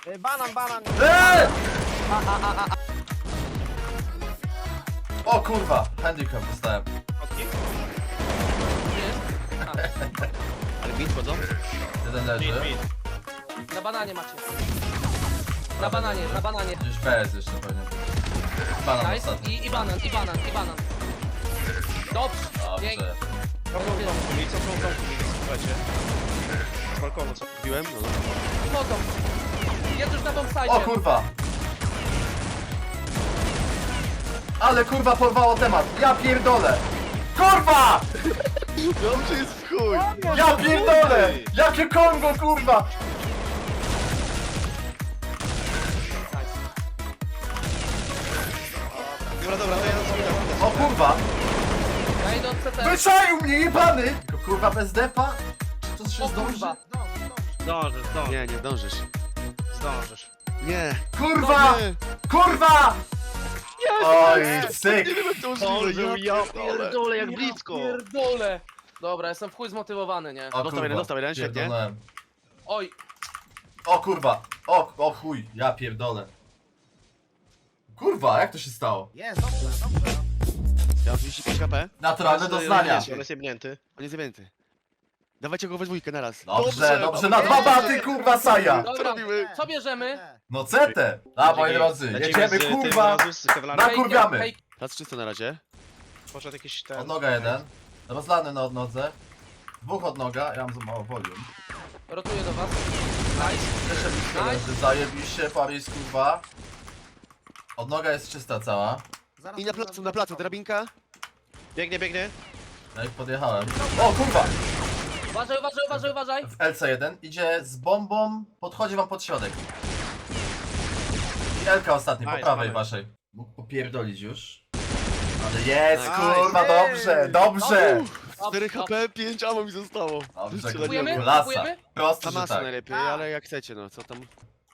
Banan, banan. O kurwa, handicap dostałem. Ale bit wchodzą? Jeden leży. Na bananie macie. Na bananie, na bananie. Gdzieś bez jeszcze pewnie. Banan Nice. ostatni. I banan, i banan, i banan. Dobrze. Pięknie. Dobrze. Słuchajcie. Z balkonu co kupiłem? No. Chodzą. Jest już na O bombsite. kurwa! Ale kurwa porwało temat. Ja pierdolę! Kurwa! Dobrze jest w chuj! Ja pierdolę! Jakie Kongo kurwa! Dobra, to ja zrobię. O kurwa! Ja idę od CT. Wyczaił mnie jebany! Tylko kurwa bez depa? Czy to się O zdąży? kurwa. Zdążysz, zdążysz, Nie, nie zdążysz. zdążysz. Nie! Kurwa! Nie. Kurwa! Oj, syk! Nie wiem jak to Zdążył, możliwe, ja pierdolę, jak blisko. Pierdolę. Dobra, jestem w chuj zmotywowany, nie? O Dostał jeden, świetnie. pierdolnąłem. Oj, O kurwa! O chuj, ja pierdolę. Kurwa, jak to się stało? jest, dobrze, dobrze. Ja mam 35 HP. Naturalne doznania. On jest jebnięty. On jest zajęty. Dawajcie go we dwójkę na raz. Dobrze, na dwa baty, kurwa, Saja! Dobra, robimy? co bierzemy? No CT! A, moi drodzy, jedziemy, kurwa! Nakurwiamy! Hej, Raz czysto na razie. Poszedł jakiś ten... Odnoga jeden. Rozlany na odnodze. Dwóch odnoga, ja mam za mało volume. rotuję do was. Nice. Nice. Zajebiście, Paris, kurwa. Odnoga jest czysta cała. I na placu, drabinka. Biegnie, biegnie. Ja ich podjechałem. O kurwa! Uważaj, uważaj, uważaj, uważaj. W LC1 idzie z bombą, podchodzi wam pod środek. I LK ostatni, po Nice, prawej mamy. waszej. Mógł popierdolić już. Ale jest, Nice. kurwa, dobrze, dobrze! 4 HP, 5 ammo mi zostało. Dobrze, Kupujemy? klasa. Kupujemy? Prosto, Ta że masa tak. najlepiej, ale jak chcecie, no co tam.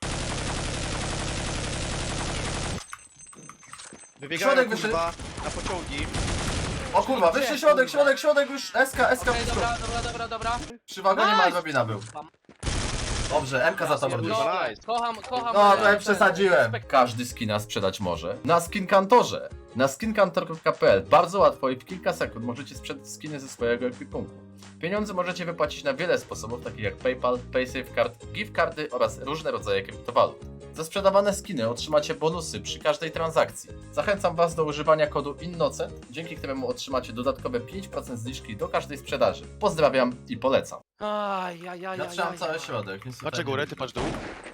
Wybiegają Środek wyszedł. kurwa na pociągi. O kurwa, wyższy środek już, SK, Okej, dobra. Przy wagonie Nice. Malwina był. Dobrze, MK za tobą już. Kurwa, No, nice. kocham. No, to ja ten przesadziłem. spek- Każdy skina sprzedać może. Na Skinkantorze. Na skinkantor.pl bardzo łatwo i w kilka sekund możecie sprzedać skiny ze swojego ekwipunku. Pieniądze możecie wypłacić na wiele sposobów, takich jak PayPal, PaySafeCard, gift cardy oraz różne rodzaje kryptowalut. Za sprzedawane skiny otrzymacie bonusy przy każdej transakcji. Zachęcam Was do używania kodu INNOCENT, dzięki któremu otrzymacie dodatkowe 5% zniżki do każdej sprzedaży. Pozdrawiam i polecam. Ja trzymam cały środek. nic tutaj Patrzę nie górę, widzę. ty patrz dół.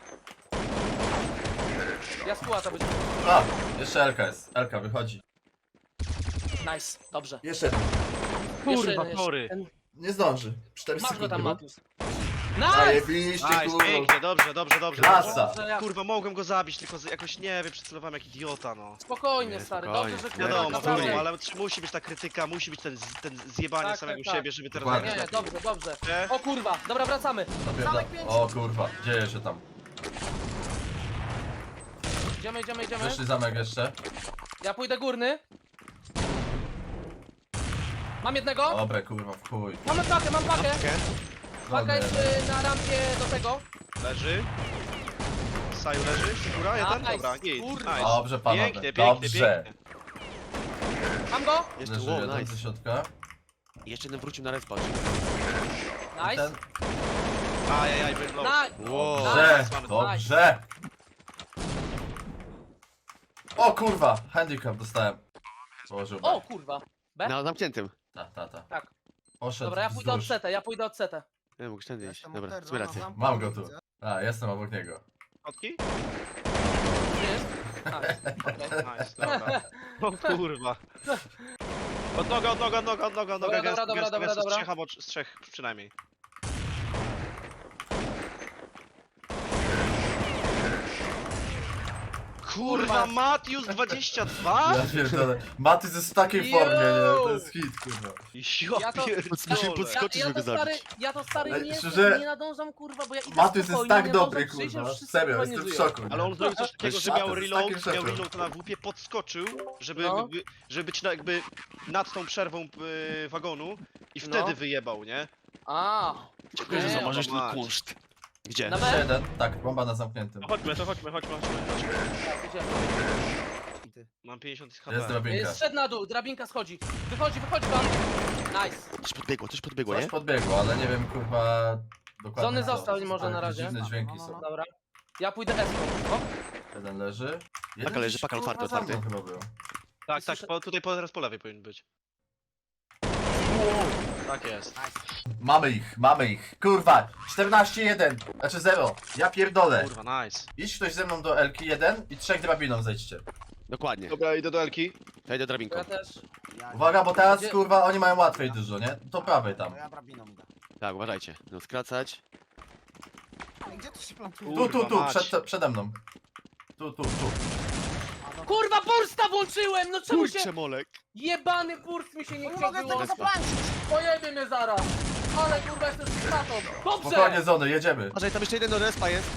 Ja skłata być. A, jeszcze LK jest. LK wychodzi. Nice, dobrze. Jeszcze jeden. Kurwa, Jeszcze tory. ten- Nie zdąży. 4 Masz go sekundy. tam, było. Matius. Nice! Zajebiście, Nice, kurwa. pięknie, dobrze. Klasa. Dobrze, ja- Kurwa, mogłem go zabić, tylko jakoś nie wiem, przycelowałem jak idiota, no. Spokojnie, Nie, stary, spokojnie. dobrze, że Nie, Wiadomo, naprawdę- wiadomo, ale musi być ta krytyka, musi być ten zjebanie Tak, samego tak, siebie, żeby teraz Dokładnie. zagrać Nie, lepiej. dobrze. Nie? O kurwa, dobra, wracamy. Napierdam. Zamek 5. O kurwa, dzieje się tam. Idziemy. Wyszli zamek jeszcze. Ja pójdę górny. Mam jednego. Dobre kurwa, w chuj. Mam pakę. Okej. Paka jest na rampie do tego. Leży. Saju leży, figura, jeden, Nice, dobra, git, kurwa. nice. Dobrze panowie, Pięknie, dobrze. Mam go. Jeszcze, Leży wow, jeden nice. ze środka. Jeszcze jeden wrócił na respawn. I Nice. ten. Ajajaj, byłem low. Nice. Wow. Dobrze, Nice. dobrze. O kurwa, handicap dostałem. Położył O kurwa. B? Na zamkniętym. Ta. Tak. Poszedł Dobra, ja pójdę od wzdłuż. CT, ja pójdę od CT. Nie mógł tędy iść. Dobra, sobie rację. Mam go tu. A, jestem obok niego. Kotki? Gdzie jest? Nice. Okej. Nice, dobra. O kurwa. Od noga, Dobra, gęsto, dobra. z trzech albo z trzech przynajmniej. Kurwa, Matius 22? Ja pierdolę. Matys jest w takiej formie, nie? To jest hit, kurwa. Ja to- Musimy podskoczyć, żeby go zabić. Ja to stary Ej, nie, szczerze, nie nadążam kurwa, bo ja idę Matys jest spokojnie, tak nie dobry, nadążam przyjść, kurwa. już wszyscy Serio, spokojnie jestem w żyją. szoku. nie? Ale on zrobił coś takiego, że miał Matys, reload, takim szefem. na WP, podskoczył, żeby, No. żeby być jakby nad tą przerwą wagonu i No. wtedy wyjebał, nie? A, Dziękuję, że Nie, zamarzysz no ten mać. kunszt. Gdzie? Na Jeszcze B? jeden. Tak, bomba na zamkniętym. To chodźmy. Tak, idziemy. Mam 50 Jest HP. drabinka. Zszedł na dół, drabinka schodzi. Wychodzi wam. Nice. Coś podbiegło, Coś nie? podbiegło, ale nie wiem kurwa dokładnie Zony co. został może Ale na jakieś razie. dziwne dźwięki są. Dobra. Ja pójdę S-ką. O, Jeden leży. Jeden leży, gdzieś, paka kurwa, otwarty, za mną otwarty. chyba był. Tak, Słyszę- tutaj teraz po lewej powinien być. Tak jest. Mamy ich. Kurwa, 14-1. Znaczy 0. Ja pierdolę. Kurwa, nice. Idź ktoś ze mną do Elki 1 i 3 drabiną zejdźcie. Dokładnie. Dobra, idę do Elki. Ja idę drabinką. ja też. Uwaga, bo teraz Gdzie- kurwa oni mają łatwiej dużo, nie? Do prawej tam. Ja drabiną idę. Tak, uważajcie. No skracać. Ej, gdzie to się plantuje? Tu, Kurwa mać. przede mną. Tu. Kurwa, bursta włączyłem! No czemu się... Molek. Jebany burst mi się nie Nie chciał mogę tego wyłączyć. zapłacić! Pojebie mnie zaraz. Ale kurwa, jestem stratą. Spokojnie Dobrze! Zony, jedziemy. Uważaj, tam jeszcze jeden do respa jest.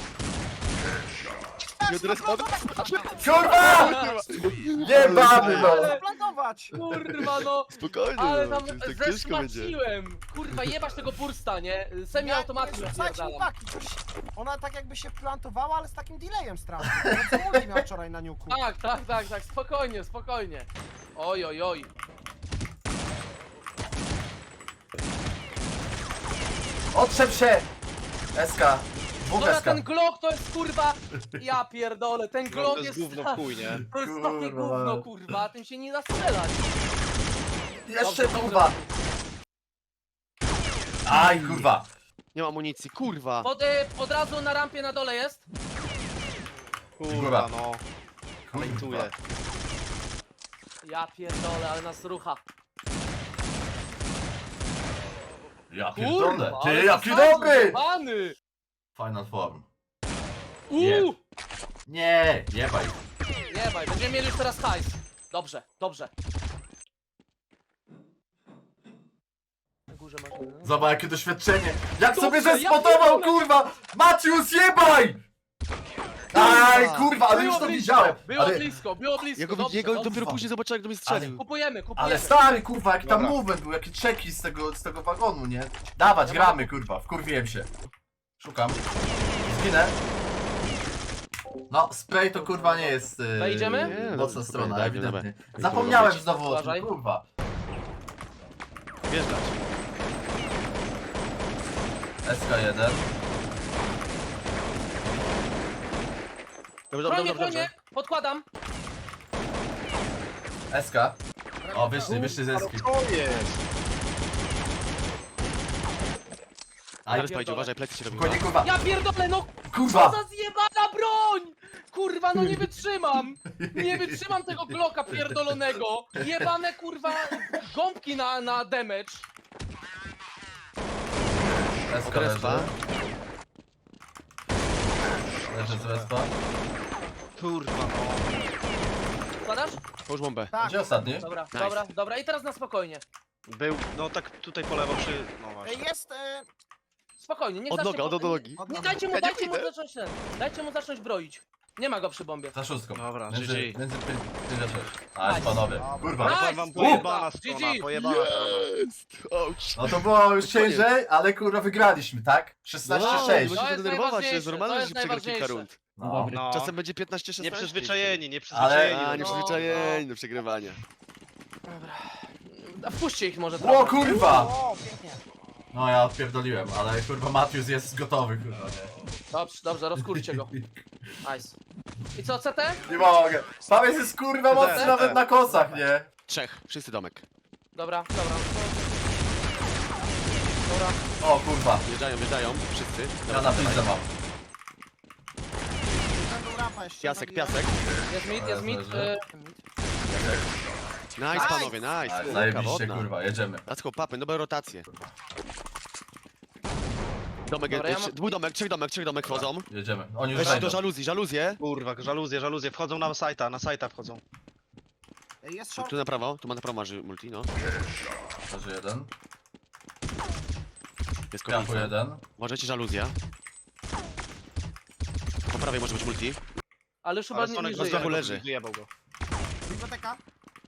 Nie do respa. Kurwa! Jebany no! Ale- Zaplantować! Kurwa, no. Spokojnie, Ale tam to jest tak ciężko będzie. zeszmaciłem. Kurwa, jebać tego bursta, nie? Semi-automatycznie Słuchajcie, napierdalam. chłopaki, coś... Ona tak jakby się plantowała, ale z takim delayem strasznym. No co multi miał wczoraj na niuku. Tak, spokojnie. Oj. Otrzep się! SK. Dwóch Dobra, SK. ten Glock to jest kurwa... Ja pierdolę, ten No, Glock to jest jest... gówno w chuj, nie? To jest takie Kurwa. gówno, kurwa, tym się nie da strzelać. Jeszcze Dobrze, kurwa. Aj kurwa. Nie ma amunicji, kurwa. Od razu na rampie na dole jest. Kurwa, no. Kurwa. Lejtuję. Ja pierdolę, ale nas rucha. Ja pierdolę. ale Ty, jaki zasadził, dobry! jebany. Final form. Uuu! Nie, jebaj. Nie baj, będziemy mieli już teraz hajs. Dobrze. Na górze masz... Zobacz jakie doświadczenie. Jak Dobrze, sobie ja zespotował pierdolę. kurwa! Macius, jebaj! Aj kurwa, ale już to widziałem. Było Ale, blisko, Jego dobrze. dopiero później zobaczyłem, jak do mnie strzelił. Kupujemy. ale stary kurwa, jaki tam Dobra. movement był, jakie czeki z tego wagonu, nie? Dawać, gramy kurwa, wkurwiłem się. Szukam. Zginę. No, spray to kurwa nie jest Wejdziemy? Nie, mocna dobra, strona, daj, ewidentnie. dobra. Zapomniałem znowu o Uważaj. tym, kurwa. Wjeżdżać. SK1. Dobrze. Chronie, podkładam. SK. O, wyszli ze ski. To jest. Aj, Zaraz pojedzie, uważaj, plecy się robią. spokojnie kurwa. Ja pierdolę, no co Kurwa! za zjebana broń! Kurwa, no nie wytrzymam! Nie wytrzymam tego Glocka pierdolonego! Jebane kurwa gąbki na damage. SK Respa. leży. Leży z respa. Kurwa, no. Składasz? Połóż bombę. Tak, Gdzie ostatni? Dobra, Nice. dobra. I teraz na spokojnie. Był, no tak tutaj po lewo przy... No właśnie. jest... Spokojnie, niech Od zacznie noga, od nogi. Nie, dajcie mu zacząć ten. Dajcie mu zacząć broić. Nie ma go przy bombie. Za szóstką. Dobra, Między GG. 5 a 6. Aj, Nice. panowie. Dobra. Kurwa. Nice. Wam pojebana strona, GG. pojebana strona. No to było już ciężej, ale kurwa wygraliśmy, tak? 16-6. To jest denerwować, to jest najważniejsze, normalne, to że jest się przegra kilka najważniejsze. rund. No. No. Czasem będzie 15-16. Nieprzyzwyczajeni, Ale- nieprzyzwyczajeni. A, do nieprzyzwyczajeni do przegrywania. A wpuśćcie ich może O trochę. kurwa! O, pięknie. No ja odpierdoliłem, ale kurwa Matius jest gotowy kurwa, nie? Dobrze, rozkurcie go. Nice. I co, CT? Nie mogę. Paweł jest kurwa mocny nawet na kosach, nie? Trzech, wszyscy domek. Dobra. O kurwa. Wjeżdżają, wszyscy. Ja na pizdę mam. Będą rampa jeszcze. Piasek, zabiję. piasek. Jest mid. Leży. Nice panowie, nice. Ale Kurka zajebiście wodna. kurwa, jedziemy. Let's go, papy, dobre rotacje. Domek, Dobra, ja mam- dwóch domek, trzech domek wchodzą. Jedziemy. Oni już Weźcie wejdą. do żaluzję. Kurwa, żaluzje, wchodzą na sajta wchodzą. Ej, jest short. Tu na prawo masz multi, no. Leży jeden. Jest Piachu kobieta. jeden. Uważajcie, żaluzja. Po prawej może być multi. Ale już chyba Ale nie Sonek żyje. zdachu leży. Wyjebał go. Biblioteka.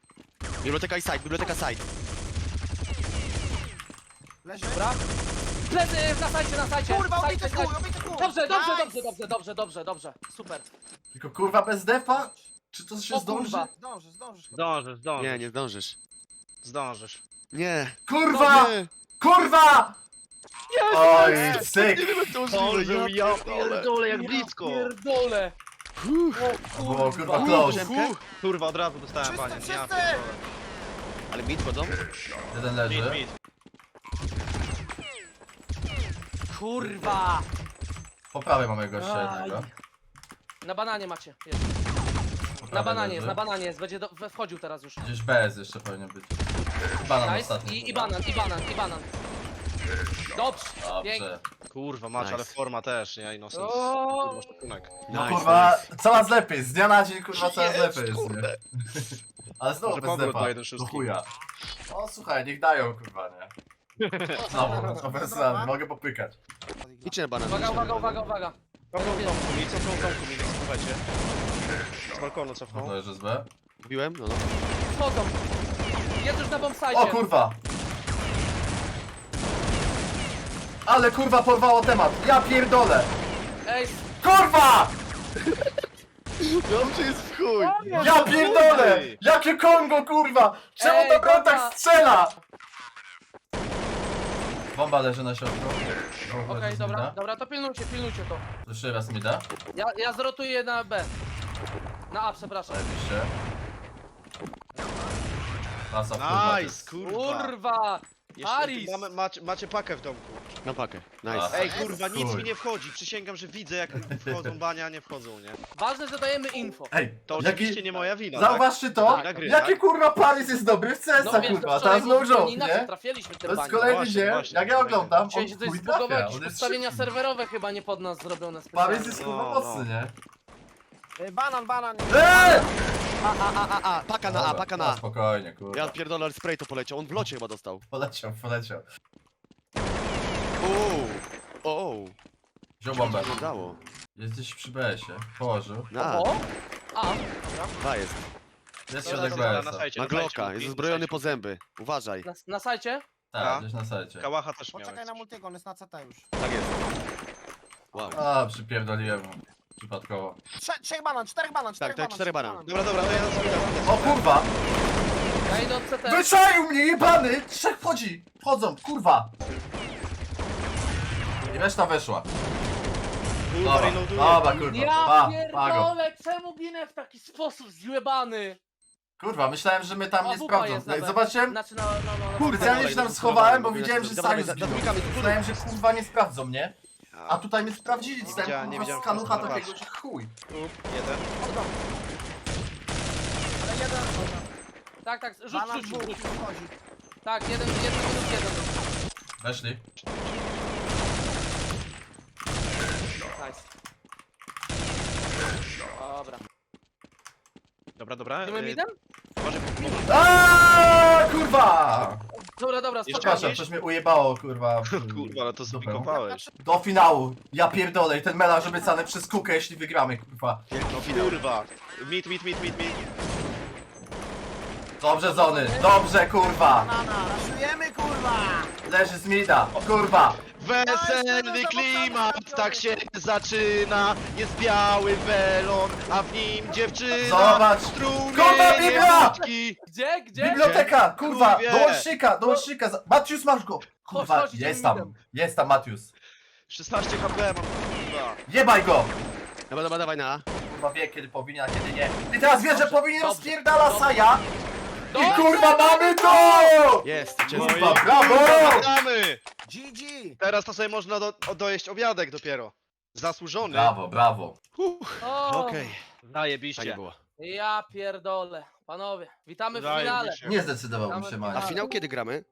Biblioteka i side. Leży. Dobra. Plecy, na sajcie. Kurwa, Sajcie, obity sajcie. chuj, obity chuj! Dobrze. Tylko kurwa bez defa? Czy to się O zdąży? kurwa. Zdążysz chyba. Zdążysz, zdążysz. Nie, nie zdążysz. Zdążysz. Nie. Kurwa! Nie. Kurwa! Oj, syk! Zdążył, ja pierdolę, jak Ja blisko. pierdolę. O Było kurwa. kurwa close. Kurwa, od razu dostałem Wszyscy, panie. wszyscy! Ale mid chodzą? Jeden Mid, leży. mid. Kurwa. Po prawej mamy gościa Aj. jednego. Na bananie macie. Jest. Po Na prawej bananie leży. jest, na bananie jest. Będzie wchodził teraz już. Gdzieś bez jeszcze powinien być. Banan Nice. ostatni. I banan. Dobrze. Pięknie. Dobrze. Kurwa, masz, Nice. ale forma też, nie? No sens. O. Kurwa, szacunek. No Nice, kurwa, nice. coraz lepiej, z dnia na dzień kurwa coraz Jest, lepiej jest, nie? kurde. Ale znowu Może bez powrót defa, do 1.6. do chuja. O słuchaj, niech dają kurwa, nie? Znowu, to bez rady, mogę popykać. Idźcie na banan. Uwaga. Cofnął w domku mi, cofnął w domku mi, słuchajcie. Z balkonu cofnął. To leży z B. Mówiłem? No, no. Wchodzą. Jest już na O bombsite. kurwa! Ale kurwa porwało temat, ja pierdolę! Ej, Kurwa! Dobrze jest w chuj! Ja pierdolę! Jakie Kongo kurwa! Czemu Ej, to broń bomba! tak strzela? Bomba leży na środku. okej, dobra, to pilnujcie to. Jeszcze raz mi da. Ja zrotuję na B. Na A, przepraszam. Zajebiście. Klasa w kurwa, Nice, kurwa. Kurwa! Jeszcze Aris! macie pakę w domku. Na pakę. A. Nice. Ej, kurwa, nic Chuj. mi nie wchodzi. Przysięgam, że widzę jak wchodzą bania, a nie wchodzą, nie? Ważne, że dajemy info. Ej, To oczywiście nie moja wina, Zauważcie to? Wina gry, Jaki tak? kurwa Paris jest dobry w CS-a wiesz, kurwa, wczoraj teraz no było joke, inaczej, nie? trafiliśmy To tym jest baniem. kolejny Właśnie, dzień, właśnie, jak ja kolejny. oglądam, Dzisiaj on się coś chuj zbugowało, trafia, jakieś on jest ustawienia szybki. serwerowe chyba nie pod nas zrobione Paris specjalnie. jest kurwa No, mocny, nie? Banan. Eee! Paka na A, paka na A. Spokojnie, Ja kurwa. pierdolę, ale spray to poleciał. On w locie chyba dostał. Poleciał. Ooo. Wziął bombę. Wyglądało. Jest gdzieś przy BS-ie. Położył. Na O! A, dwa jest. Jest Dobra, środek dobra, na BS-a. sajcie, Ma na sajcie, Glocka, Kuki, jest na uzbrojony sajcie. po zęby. Uważaj. na sajcie? Tak, gdzieś na sajcie. Kałacha też Poczekaj miałem. na multiego, on jest na CT już. Tak jest. Wow. A, przypierdoliłem mu. Przypadkowo. Czterech banan. Tak, 4 banan. Dobra, to ja zrobię. O kurwa! Ja idę od CT. Wyczaił mnie, jebany! Trzech wchodzi! Wchodzą, kurwa! I reszta weszła. Kurwa, Dobra, reloaduję. dobra, kurwa. Ja Pago. pierdolę, czemu ginę w taki sposób zjebany? Kurwa, myślałem, że my tam A, nie wupa jest sprawdzą. na Jak B. zobaczyłem, Znaczy no. kurde, ja Dawaj, się tam dawaj, schowałem, bo dawaj, widziałem, że dawaj, sami dawaj, zginą. dawaj, Myślałem, że kurwa nie sprawdzą mnie. A tutaj mnie sprawdzili, Nie dostałem widziałem, kurwa nie skanucha widziałem, takiego, że chuj. Jeden. Ale jeden. Tak, rzuć. Banan dwóch wchodzi. Tak, jeden minus jeden. Weszli. Nice. Dobra. Dobra. Idziemy midem? Może Aaaa, kurwa! Dobra, Jeszcze Przepraszam, spokojnie. coś mnie ujebało, kurwa. Kurwa, ale to Dupę. zbikowałeś. Do finału. Ja pierdolę i ten melarz obiecany przez Kukę, jeśli wygramy, kurwa. Wielki finał. Kurwa. Mid. Dobrze, Zony, dobrze, kurwa. Banana, raszujemy kurwa! Leży z mida, kurwa. Weselny klimat, tak się zaczyna. Jest biały welon, a w nim dziewczyna. Zobacz. Strumienie Kurwa, Biblia! wódki. Gdzie? Biblioteka, kurwa, Kurwie. do łącznika. Matius, masz go. Kurwa, Chodź, idziemy jest tam Matius. 16 HP mam, kurwa. Jebaj go. Dobra, dawaj na A. Kurwa wie, kiedy powinien, a kiedy nie. I teraz wie, że powinien dobrze, spierdala dobrze. Saja. I Dobrze. kurwa, mamy to! Jest, Kurwa, brawo! Gramy! GG! Teraz to sobie można dojeść obiadek dopiero. Zasłużony. Brawo. O, Okej. Tak Zajebiście. było. Ja pierdolę. Panowie, witamy w finale. Zajebiście. Nie zdecydowałbym Damy się, finał. A Mania. finał kiedy gramy?